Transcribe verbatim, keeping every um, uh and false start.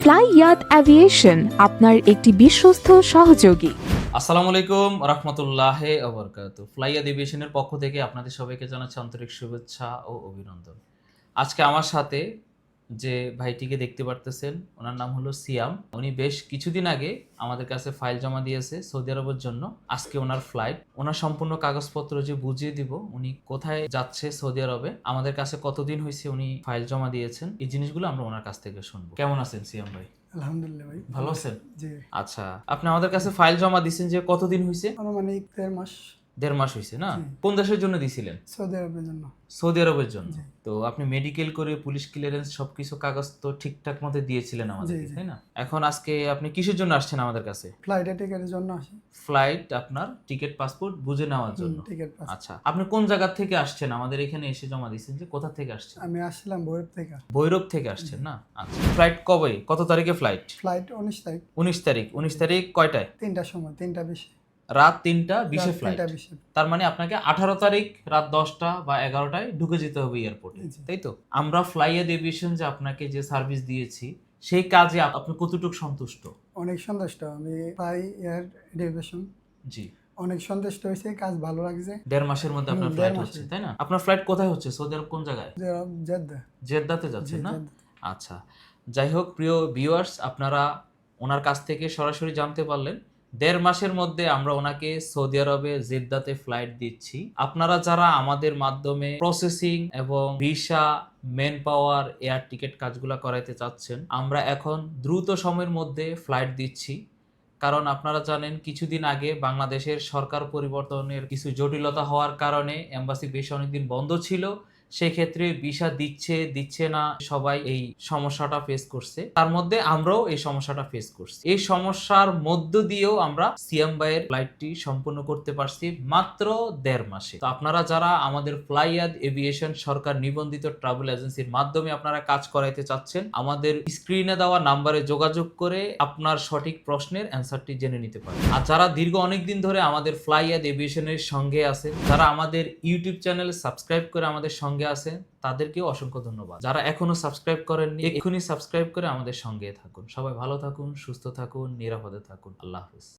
ফ্লাইয়াদ aviation আপনার একটি বিশ্বস্ত সহযোগী। আসসালামু আলাইকুম রহমতুল্লাহি ওয়া বারাকাতুহু। ফ্লাইয়াদ এভিয়েশনের পক্ষ থেকে আপনাদের সবাইকে জানাচ্ছি আন্তরিক শুভেচ্ছা ও অভিনন্দন। আজকে আমার সাথে যে ভাইটিকে দেখতে পারতেছেন ওনার নাম হলো সিয়াম। উনি বেশ কিছুদিন আগে আমাদের কাছে ফাইল জমা দিয়েছে সৌদি আরবের জন্য। আজকে ওনার ফ্লাইট, ওনার সম্পূর্ণ কাগজপত্র যে বুঝিয়ে দিব উনি কোথায় যাচ্ছে সৌদি আরবে, আমাদের কাছে কতদিন হয়েছে উনি ফাইল জমা দিয়েছেন, এই জিনিসগুলো আমরা ওনার কাছ থেকে শুনবো। কেমন আছেন সিয়াম ভাই? আলহামদুলিল্লাহ ভাই, ভালো আছেন? জি। আচ্ছা, আপনি আমাদের কাছে ফাইল জমা দিয়েছেন যে কতদিন হয়েছে? আনুমানিক দেড় মাস। দেড় মাস হয়েছে না? জি। কোন দেশের জন্য দিছিলেন? সৌদি আরবের জন্য। সৌদি আরবের জন্য। জি। তো আপনি মেডিকেল করে পুলিশ ক্লিয়ারেন্স সবকিছু কাগজ তো ঠিকঠাক মতো দিয়েছিলেন আমাদেরকে, জি, জি। তাই না? এখন আজকে আপনি কিসের জন্য আসছেন আমাদের কাছে? ফ্লাইটে টিকেটের জন্য আসি। ফ্লাইট, আপনার টিকিট, পাসপোর্ট বুঝে নেওয়ার জন্য। Ticket pass. আচ্ছা, আপনি কোন জায়গা থেকে আসছেন? আমাদের এখানে এসে জমা দিয়েছেন যে কোথা থেকে আসছেন? আমি আসছিলাম ভৈরব থেকে। ভৈরব থেকে আসছেন না? আচ্ছা, ফ্লাইট কবে, কত তারিখে ফ্লাইট? ফ্লাইট উনিশ তারিখ। উনিশ তারিখ। উনিশ তারিখ কয়টায়? তিনটার সময়, তিনটা বিশে। রাত তিনটা বিশে ফ্লাইট। তিনটা বিশে। তার মানে আপনাকে আঠারো তারিখ রাত দশটা বা এগারোটায় ঢুকে যেতে হবে এয়ারপোর্টে, জি। তাই তো? আমরা ফ্লাইয়াদ এভিয়েশন যে আপনাকে যে সার্ভিস দিয়েছি সেই কাজে আপ- আপনি কতটুকু সন্তুষ্ট? অনেক সন্তুষ্ট আমি। Fly Air Aviation ji. অনেক সন্তুষ্ট হয়েছে, কাজ ভালো লাগছে। দেড় মাসের মধ্যে আপনার হুম, ফ্লাইট দেড় হচ্ছে, মাসে। তাই না? আপনার ফ্লাইট কোথায় হচ্ছে? সৌদি আরব কোন জায়গায়? জেদ্দা। জেদ্দাতে জি, যাচ্ছে না? জেদ্দা। আচ্ছা, যাই হোক প্রিয় ভিউয়ার্স, আপনারা ওনার কাছ থেকে সরাসরি জানতে পারলেন দেড় মাসের মধ্যে আমরা ওনাকে সৌদি আরবে জেদ্দাতে ফ্লাইট দিচ্ছি। আপনারা যারা আমাদের মাধ্যমে প্রসেসিং এবং visa, manpower, air ticket কাজগুলো করাইতে চাচ্ছেন, আমরা এখন দ্রুত সময়ের মধ্যে ফ্লাইট দিচ্ছি। কারণ আপনারা জানেন কিছুদিন আগে বাংলাদেশের সরকার পরিবর্তনের কিছু জটিলতা হওয়ার কারণে এম্বাসি বেশ অনেকদিন বন্ধ ছিল। সেক্ষেত্রে ভিসা দিচ্ছে দিচ্ছে না, সবাই এই সমস্যাটা ফেস করছে। তার মধ্যে আমরাও এই সমস্যাটা ফেস করছি। এই সমস্যার মধ্য দিয়েও আমরা সিয়াম ভাইয়ের ফ্লাইটটি সম্পূর্ণ করতে পারছি মাত্র দেড় মাসে। তো আপনারা যারা আমাদের ফ্লাইয়াদ এভিয়েশন সরকার নিবন্ধিত ট্রাভেল এজেন্সির মাধ্যমে আপনারা কাজ করাইতে চাচ্ছেন, আমাদের স্ক্রিনে দেওয়া নাম্বারে যোগাযোগ করে আপনার সঠিক প্রশ্নের অ্যান্সারটি জেনে নিতে পারেন। আর যারা দীর্ঘ অনেক দিন ধরে আমাদের ফ্লাইয়াদ এভিয়েশনের সঙ্গে আছেন, যারা আমাদের ইউটিউব চ্যানেল সাবস্ক্রাইব করে আমাদের সঙ্গে আছেন, তাদেরকেও অসংখ্য ধন্যবাদ। যারা এখনো সাবস্ক্রাইব করেননি, এক্ষুনি সাবস্ক্রাইব করে আমাদের সঙ্গে থাকুন। সবাই ভালো থাকুন, সুস্থ থাকুন, নিরাপদে থাকুন। আল্লাহ হাফেজ।